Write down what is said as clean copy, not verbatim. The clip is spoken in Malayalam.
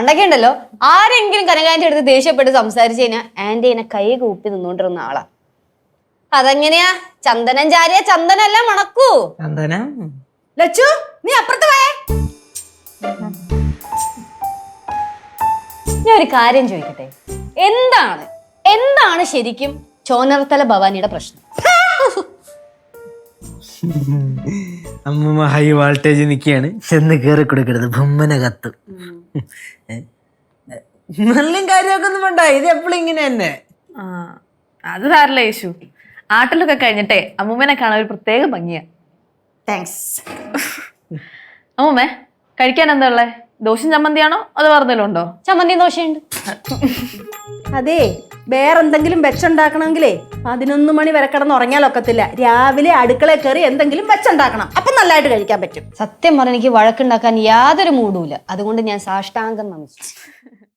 പണ്ടൊക്കെ ഉണ്ടല്ലോ ആരെങ്കിലും കനകാന്റെ അടുത്ത് ദേഷ്യപ്പെട്ട് സംസാരിച്ചു കഴിഞ്ഞാൽ ആന്റി എന്നെ കൈ കൂപ്പി നിന്നോണ്ടിരുന്ന ആളാ. അതെങ്ങനെയാ? ചന്ദനം ചാരിയ ചന്ദനല്ല മണക്കൂ. ചന്ദനം ലച്ചു, നീ അപ്പുറത്ത് പോയേ. ഞാൻ ഒരു കാര്യം ചോദിക്കട്ടെ, എന്താണ് ശരിക്കും ചോനർത്തല ഭവാനിയുടെ പ്രശ്നം? അമ്മൂമ്മ ഹൈ വോൾട്ടേജ് നിൽക്കുകയാണ്, ചെന്ന് കയറി കൊടുക്കരുത്, ബൊമ്മന കത്തും. നല്ല കാര്യമൊക്കെ ഒന്നും വേണ്ട, ഇത് എപ്പോഴും ഇങ്ങനെ തന്നെ. അത് സാരല്ല യേശു. ആട്ടിലൊക്കെ കഴിഞ്ഞിട്ടേ അമ്മൂമ്മനെ കാണാൻ ഒരു പ്രത്യേക ഭംഗിയാ. താങ്ക്സ്. അമ്മൂമ്മേ, കഴിക്കാൻ എന്താ ഉള്ളേ? ദോശയും ചമ്മന്തിയാണോ അത് വേറെന്തെങ്കിലും ഉണ്ടോ? ചമ്മന്തി ദോശയുണ്ട്. അതെ, വേറെന്തെങ്കിലും വെച്ചുണ്ടാക്കണമെങ്കിലേ 11 മണി വരെ കിടന്ന് ഉറങ്ങിയാലൊക്കത്തില്ല. രാവിലെ അടുക്കളയിൽ കയറി എന്തെങ്കിലും വെച്ചുണ്ടാക്കണം, അപ്പൊ നല്ലതായിട്ട് കഴിക്കാൻ പറ്റും. സത്യം പറഞ്ഞ എനിക്ക് വഴക്കുണ്ടാക്കാൻ യാതൊരു മൂടുമില്ല. അതുകൊണ്ട് ഞാൻ സാഷ്ടാംഗം നമിച്ചു.